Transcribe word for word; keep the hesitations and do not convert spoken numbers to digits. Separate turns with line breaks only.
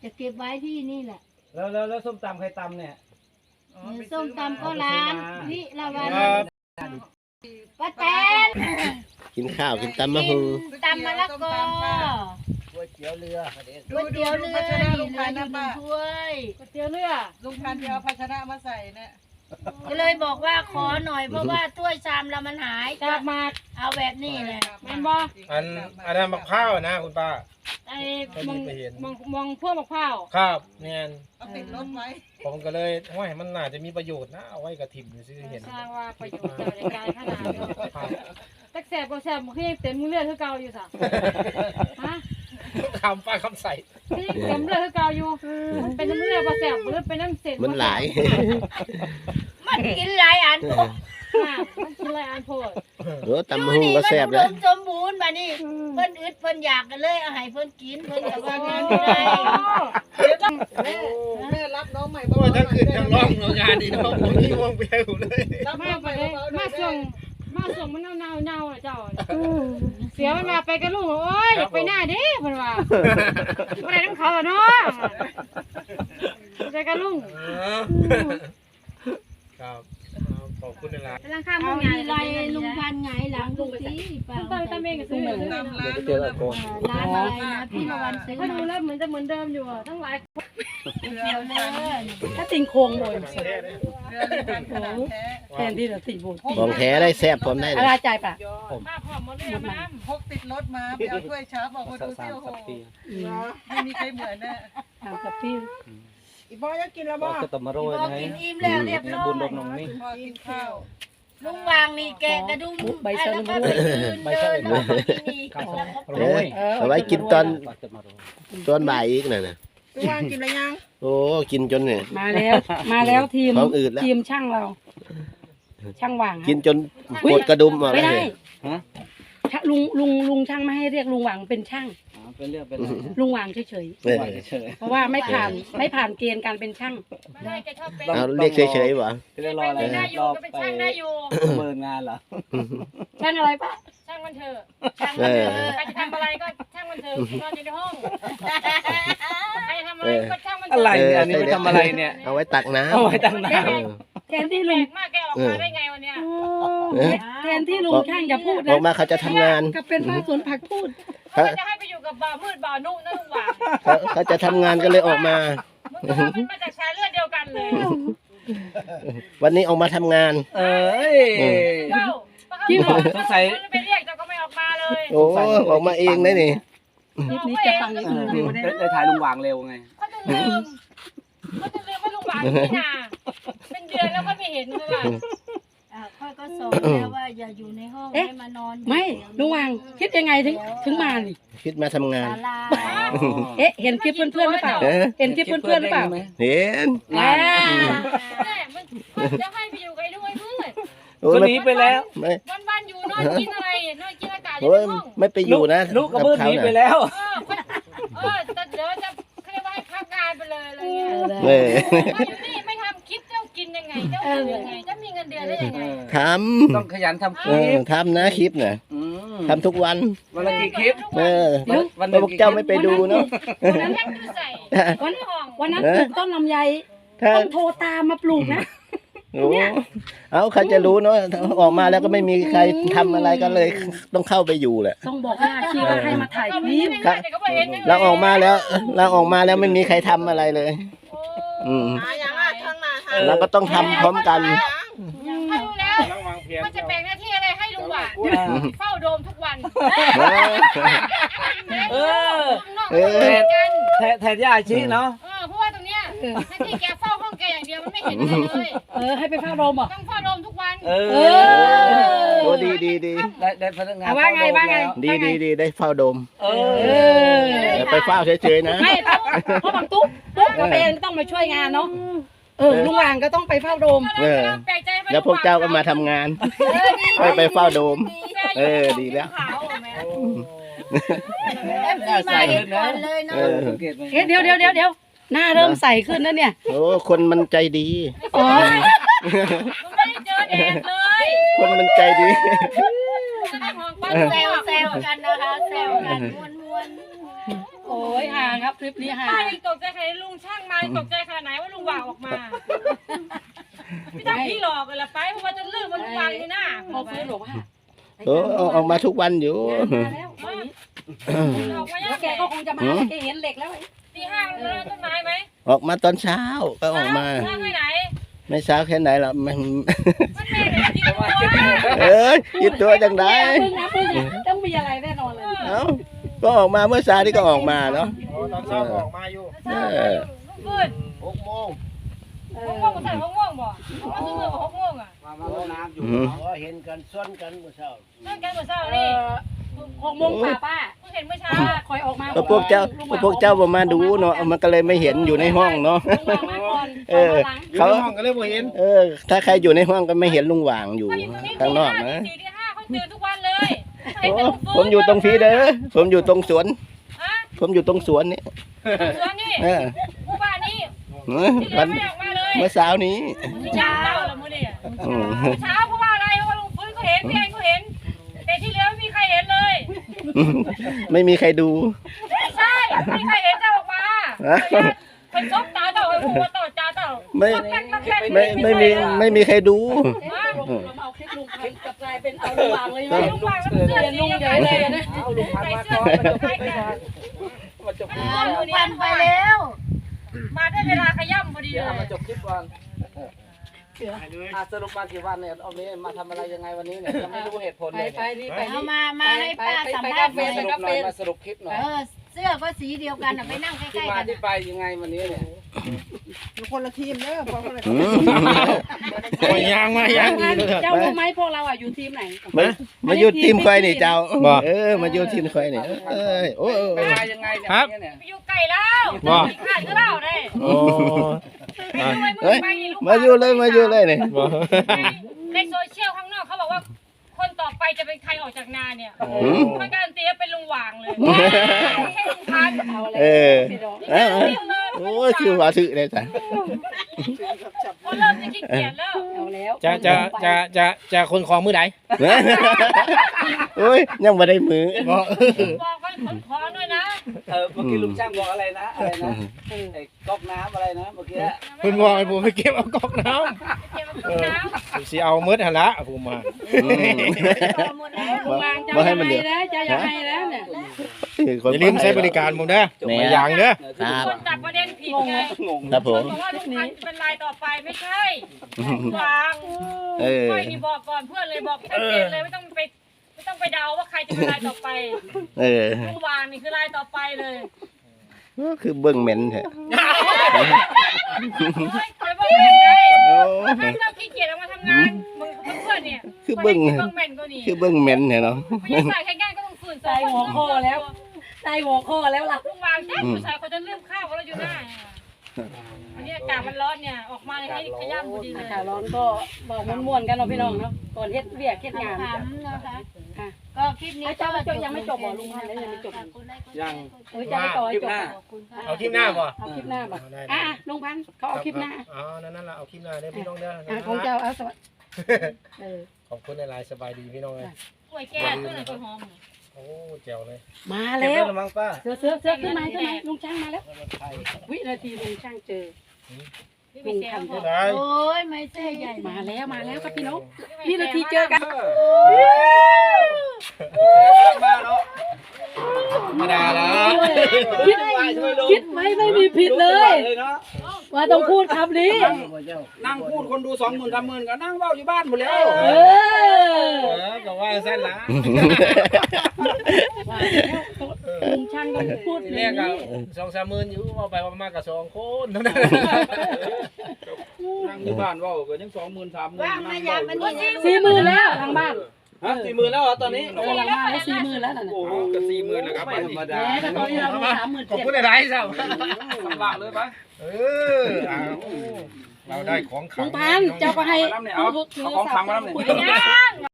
จะเก็บไว้ที่นี่แหละ
แล้วแล้วแล้วส้มตำใครตำเนี่ย
ส้มตำก็ร้านพี่ละวันป้าแตน
กินข้าวกินตำมะฮุง
ตำมะละกอ
ก๋วยเตี๋ยวเรือ
ก๋วยเตี๋ยวเรือนี่ลุงพันธุ์นะป้าถ้วยก๋วยเตี๋ยวเรือ
ลุงพันธุ์เอาภาชนะมาใส่เนี่ย
ก็เลยบอกว่าขอหน่อยเพราะว่าถ้วยชามเรามันหายกลับมาเอาแบบนี้แหละแม่นบ่
อันอันนั้นมะพร้าวนะคุณป้า
ไอ้มองมองมองพวกมะพร้าว
ครับเนี่ย
เอาติดรถไว้
ผมก็เลยว่ามันน่าจะมีประโยชน์นะเอาไว้กระถิ่นซื้อเห็น
สร้างว่าประโยชน์ในการขนาดตักแสบก็แสบมันคือยังเต็มมือเลือดคือเก่าอยู่สะฮะ
คำป้าคำใส่
ที่เต็มเลือดคือเก่าอยู่มันเป็นน้ำเลือดประแสบหรือเป็นน้ำเศษ
มันหลาย
มันกินหลายอันมันกินหลายอันโพด
โอ้ตำมะฮุงก็แซ่บเลย
สมบูรณ์มานี่เพิ่นอึดเพิ่นอยากกันเลยเอาให้เพิ่นกินเพิ่นกับว่างานไม่ได้
แม่รับน้องใหม่
เพราะว่าทั้งคืนทั้งร้องงานดีนะผมนี่วงเบี้ยวเลย
มาไปเลยมาส่งมาส่งมันเน่าเน่าเน่าเจ้าเสียมันมาไปกับลูกโอ้ยอยากไปหน้าดิเพิ่นว่าบ่ได้ต้องเขาเนาะไปกับลุง
ครับขอบคุณนะ
กำลังข้ามงานไรลุงพันไงหลังดูสิป้าตอนตอนเองก็ซื้อเหมือนเดิม
เจอแล้ว
ร้านอะไรนะพี่ละวันซื้อเขาดูแล้วเหมือนจะเหมือนเดิมอยู่ทั้งหลายเดียวเลยถ้าติงโคงบ่อยแทนที่จะติงโบ
ของแท้ได้แซ่บผมได้
อะไรใจป่ะ
มาพร้อมมาเลยมาพกติดรถมาไปเอาถ้วยชาบอกว่าดูเซี่ยวโหไม่มีใครเหมือนแน่
ทำกับพี่
อีบอยจะกินแล้วบ่
ก็ต้องมาโรย
นะกินอิ่มแล้วเรียบร้อย
บุญดมนมนี่
พอกินข้าว
ลุงวางนี่แกะกระดุม
ใบเสลิม
ใบเสลิม
โรยเอาไว้กินตอนตอนบ่ายอีกน่ะนะ
ลุงวางกินอะไรยัง
โอ้กินจนเนี่ย
มาแล้วมาแล้วทีม
ท้องอืดแล้ว
ทีมช่างเราช่างวาง
กินจนปวดกระดุมหมด
เลยไม่ได้ลุงลุงลุงช่างไม่ให้เรียกลุงหวังเป็นช่าง
เป็นเรื่องเป็น
ลุงหวังเฉยเฉยเพราะว่าไม่ผ่านไม่ผ่านเกณฑ์การเป็นช่าง
เอาเรียกเฉยเฉยวะ
จะรออะไรรอไปเมินงานเหรอ
ช่างอะไรปะช่างมันเถอะช่างมันเถอะใครจะทำอะไรก็ช่างมันเถอะนอนอยู่ในห้องใครจะทำอะไรก็ช่างมันเถอะ
อะไรอันนี้ไปทำอะไรเนี่ย
เอาไว้ตักน้ำ
เอาไว้ตักน้
ำแทนที่ลุง
มากแกออกมาได้ไงวันเนี้ย
แทนที่ลุงช่างจะพูดนะ
ออกมาเขาจะทำงาน
ก็เป็นป้าสวนผักพูด
เขาจะให้ไปอยู่กับบ่าวมืดบ่าวนุ่งนั่นหว่า
เขาจะทำงานก็เลยออกมา
มึงมันมาจากชายเลือดเดียวกันเลย
วันนี้ออกมาทำงาน
เอ้ย
ที่บอกสงสัยไปเรียกแต่ก็ไม่ออกมาเลย
โอ้ออกมาเองได้นี่
คลิปนี้จะฟังอีกหนึ่งวิวได้
ได้ถ่ายลุงวางเร็วไง
เขาจะลืมเขาจะลืมว่าลุงวางนี่นาเป็นเดือนแล้วก็ไม่เห็นเลยว่า
ค่อยก็สอนแล้วว่าอย่าอยู่ในห้องให้มานอนไม่ลุงวางคิดยังไงถึงถึงมานี่
คิดมาทำงาน
เอ๊ะเห็นคลิปเพื่อนๆหรือเปล่าเห็นคลิปเพื่อนๆหรือเปล่า
เห็น
แม่มันจะให้ไปอยู่กับลุงไอ้มืด
คนนี้ไปแล้ว
วันวันอยู่นอนกินอะไรนอนกินอากาศอยู่ในห้อง
ไม่ไปอยู่นะ
ลูกกับมืดหนีไปแล้ว
เออแต่เดี๋ยวจะเขาเรียกว่าให้พักงานไปเลยอะไรเงี้ยอยู่นี่ไม่ทำคิดเจ้ากินยังไงเจ้าอยู่ยังไงจะมีเงินเดือนได้ยังไง
ทำ
ต้องขยันทำคลิป
ทำนะคลิปน่ะทำทุกวัน
วันละกี่คลิป
เออวันพวกเจ้าไม่ไปดูเนาะ
วันนั้นวัน
วันนั้นปลูกต้นลำไยต้องโทรตามมาปลูกนะ
โอ้เอาใครจะรู้เนาะออกมาแล้วก็ไม่มีใครทำอะไรก็เลยต้องเข้าไปอยู่แหละ
ต้องบอกว่าชีว่าให้มาถ่ายคลิป
เราออกมาแล้วเราออกมาแล้วไม่มีใครทำอะไรเลยอืมเราก็ต้องทำพร้อมกัน
ถ้ารู้แล้วมันจะแบ่งหน้าที่อะไรให้ลุงหวานเฝ้าโดมทุกวัน
เออแทนย่าชี้เนาะ
เพราะว่าตรงเนี้ยหน้าที่แกเฝ้าห้องแกอย่างเดียวมันไม่เห็นอะไรเลย
เออให้ไปเฝ้าโดมอ่ะ
ต้องเฝ้าโดมทุกวัน
เออ
โอ้ดีดีดี
ได้ได้พนักงาน
ว่าไงว่าไง
ดีดีดีได้เฝ้าโดม
เอ
อไปเฝ้าเฉยๆนะ
ไม่เพราะบางตุ๊กตุ๊กก็เป็นต้องมาช่วยงานเนาะเออลุงวางก็ต้องไปเฝ้าโดม
เออแล้วพวกเจ้าก็มาทำงานไปไปเฝ้าโดมเออดีแล้ว
ใส่ก่อนเลยเนาะเดี๋ยวเดี๋ยวเดี๋ยวเดี๋ยวหน้าเริ่มใสขึ้นแล้วเนี่ย
โอ้คนมันใจดี
อ๋อ
ไม่ได้เจอแดดเลย
คนมันใจดี
แซวแซวกันนะคะแซวกันม้วนม้วนโอ้
โอ้ยห่างครับคลิปนี้ห่า
ป้าง ยังตกใจขนาดลุงช่างมาตกใจขนาดไหนว่าลุงวางออกมาพี่ตั้งพี่หลอกกันละไปเพราะว่าจะลืมว่าลุงวางอยู่หน้า
พอฟื้นบอกว่า
โอ้เอาออกมาทุกวันอยู่
มาแล้ว
ออกมา
แล้
ยาว ก
แก
แก
ก็
ก็
คงจะมาแกเห็นเหล็กแล้ว
ตีห้ามันเริ่มต้นไม้ไหม
ออกมาตอนเช้าก็ออกมา
ห้าแค่ไหน
ไม่เช้าแค่ไหนล่ะมัน
มันแม่เนี่ยที่ตัว
เอ้ยคิดตัวจังได้
พึ่งนะพึ่งต้องมีอะไรแน่นอนเลย
เอ้าก็ออกมาเมื่อเช้านี่ก็ออกมาเนาะ
ตอนเช้าออกมาอยู่
ลุงขึ้น
หกโมง
หกโมงใส่หกโมงบ่มาซื้อมาหกโมงอ่ะ
มามาลงน้ำอยู่
อ๋อเห็นกันซ้อนกันเมื่อเช้า
เล่นกันเมื่อเช้า
เอ
นี่
อหกโมงป่าป้า
เพิ่งเห็นเมื่อเช้า
ป้าคอยออกมา
ก็พวกเจ้าก็พวกเจ้าบ่มาดูเนาะมันก็เลยไม่เห็นอยู่ในห้องเนาะ
ลุงวางมาก่อน
เออ
เขา
เขา
ห้องก็เลยบ่เห็น
เออ ถ้าใครอยู่ในห้องก็ไม่เห็นลุงหว่างอยู่
เขาอยู่ตรงนี้
ข้างนอก
ตี
นะ
สี่ตีห้าเขาเตือนทุกวันเลยเห็น
โอ้
แต่ลุง
ผมอยู่ตรงพีเด้อผมอยู่ตรงสวน
ฮะ
ผมอยู่ตรงสวนนี่
สวนนี่
เออ
หมู่บ้านนี้
เออ
ที่เหลื
วั
อน ไม่ออกมาเลย
เมื่อเช้านี้
เช้าแล้วมื้อนี้
อืม
เช้าเพราะว่าอะไรเพราะว่าลุงฟื้นเขาเห็นพี่แอนเขาเห็น แต่ที่เหลือไม่มีใครเห็นเลย
ไม่มีใครดู
ไม่ใช่ไม่มีใครเห็นเจ้าออกมา
ฮะ
เป็นซบตาเจ้าเป็นหัวต่อตาเจ้า
ไม่
แกล้งแกล้ง
ไม่ไม่มีไม่มีใครดู
เราเอาคลิปลุงพันกับกลายเป็นเอาลุงวางเลยไหม
ลุงวางแล้วเสื้อ
เรียน
สี
ลุง
ยัง
ให
ไง
ญ่
เล
เลย ยนะ
เอาลุงพัน
ใส่
มา
เสื้
ก่
อ
อน
ใส่กัน
มาจบคลิป
วันไปแล้ว มาได้เวลาขย่ำพอดี
เดี๋ยว
เล
เอามาย จบคลิปก่อนอ่ะสรุปมากี่วันเนี่ยเอานี้มาทำอะไรยังไงวันนี้เนี่ยยังไม่รู้เหตุผล
ไป
เลย
ไปนี่ไป
เอา
นี่
มา มาให้ป้าสัมภาษณ์
ไป
หน่อย
ไป
สรุปหน่อยมาสรุปคลิปหน่อย
เออ เสื้อก็สีเดียวกันอะไปนั่งใก
ที่
ล้ๆ
มา
กัน
ที่
อะ
ไปยังไงวันนี้เนี่ย
คนละทีมเด้อคนละ
อื
ทีม
ม
ยางมายางดีเลย
เจ้ารู้ไหมพวกเราอ่ะอยู่ทีมไหน
มามาอยู่ทีมใครนี่เจ้าเออมาอยู่ทีมใครนี่เอ้ยโอ้ย
ไปมายังไงเนี่ยวันนี้เนี่ย
ไปอยู่ไก่แล้วมีขาดก็เล่าได้
โอ้
ไปด้วยมื
เฮ้
อย ไปนี่ลูก
มาอยู่เลยมาอยู่เลยนี่
ในโซเชียลข้างนอกเขาบอกว่า คนต่อไปจะเป็นใครออกจากนาเนี่ย
อืม
มันการันตีว่าเป็นลุงหว่างเลยแค่ลุงพัน
เอาอะไร
เออ
พี่น้อง
เอ้าโอ้ยชื่อว่าชื่อเลยจ้ะ
เขาเริ่มจะขี้เกียจแล้ว
เอาแล้ว
จะจะจะจะจะคนของมือไหน
โอ้ยยังไม่ได้มือ
บอกว่าขนของด้วยนะ
เออเมื่อกี้ลุงช่างบอกอะไรนะอะไรนะไอ้ก๊อกน้ำอะไรนะเมื่อกี้
คุณบอกให้ผมไปเก็บเอาก๊อกน้
เก็บกับน้ำ
ำสิเอามืดหันละผมมา
อืม
หมดแล้ว
ลุงวางเจ้า
บ่ให้
ยัง
มัน
ไง
เดือด
นะเจ้ายังไงแล้วเนี่ย
อย่าลืมใช้บริการผมเด้อ
แหน่
มาอย่างเด้อ
ครับ
คนจับประเด็นผิดไง
งง
ครับผม
บอกว่าลุงพันจะเป็นรายต่อไปไม่ใช่วาง
เออ
ค่อยนี่บอกก่อนเพื่อนเลยบอกชัดเจนเลยไม่ต้องไปไม่ต้องไปเดาว่าใครจะเป็นรายต่อไป
เออ
ลุงวางนี่คือรายต่อไปเลย
ก็คือเบิ้งเหม็นแท้
เฮ้ยคอยบอกเห็นเลย
โอ้
ถ้าเจ้าขี้เกียจออกมาทำงานมึงเพื่อนเนี่ย
คือเบิ้ง
เบิ้งแม่นก็นี่
คือเบิ้งเหม็นแท้เนาะ
ไม่ได้ใส่แค่งานก็ต้องฝืน
ใส่หัวข้อแล้วใส่หัวข้อแล้วล่ะ
ลุงวางแจ๊คผู้ชายเขาจะลืมข้าวเขาเราอยู่หน้าอันนี้อากาศมันร้อนเนี่ยออกมาเลยให้ขย้ำพอดีเลย
อากาศร้อนก็บอกม่วนๆกันเนาะพี่น้องเนาะก่อนเฮ็ดเวียกเฮ็ดงาน
ถามนะคะ
ค่ะ
ก็คลิปนี้
เจ้าเจ้ายังไม่จบบ่ลุงพันธุ์ยังไม่จบ
ยัง
เออจะไปต่อให้จบ
ขอบคุณค่ะ
เอาคลิปหน้าป่ะ
เอาคลิปหน้าบ่อ่ะลุงพันธุ์เขาเอาคลิปหน้า
อ๋อนั่นนั่นละเอาคลิปหน้าเด้อพี่น้องเด้อ
อ่ะของเจ้าเอาสวัสดีเออ
ขอบคุณในไลน์สบายดีพี่น้องเลย
กล้วยแก่ตัวไหนกล้วยหอม
โอ้แจ๋วเลย
มา
เก็บ
แล้
ได้
ว
หรือมั้งป้า
เสือเสือเสือขึ้นมาขึ้นมาลุงช่างมาแล้ว วินาทีลุงช่างเจอ
พี่ไปเซลล์
ได้
โอ้ยไม่ใช่ใหญ่
มาแล้วมาแล้วครับพี่น้องวินาทีเจอกัน
บ้าเนาะ
มาด่าแล้ว
คิดคิดไหมไม่มีผิดเลย
เลยเนาะ
ว่าต้องพูดคำนี้
นั่งพูดคนดูสองหมื่นสามหมื่นก็นั่งเว้าอยู่บ้านหมดแล้ว
เอ
เอ
อ
อก็ว่าสั้นละ
ลุงช่างต้องพูดอ
เรีย
ย่าก ง
กับ
นี้
สองสามหมื่นอยู่เอาไปเอามากับสองคนเท่านั้น
นั่งอยู่บ้านเว้าก็ยังสองหมื่นสามหมื่น
ว่างมายามมันนี่นะ
สี่หมื่นแล้วทางบ้าน
ฮะสี่หมื่นแล้วเหรอตอนนี้
เออหลังบ้านได้สี่หมื่นแล้วน่ะ
โอ้โหก็สี่หมื่นแล้วครับไม่ธรรมดา
แหมแต่ตอนนี้เรามีสามหมื่น
ขอบ
เจ็ด
คุณในไลน์ครับ
ลำบากเลยปะ
เออเอาเราได้ของขั
ลุ
ง
งพันธุ์เจ้าก็ให้
เอาเอาของขังมาแล้วเนี่ย
คุยกัน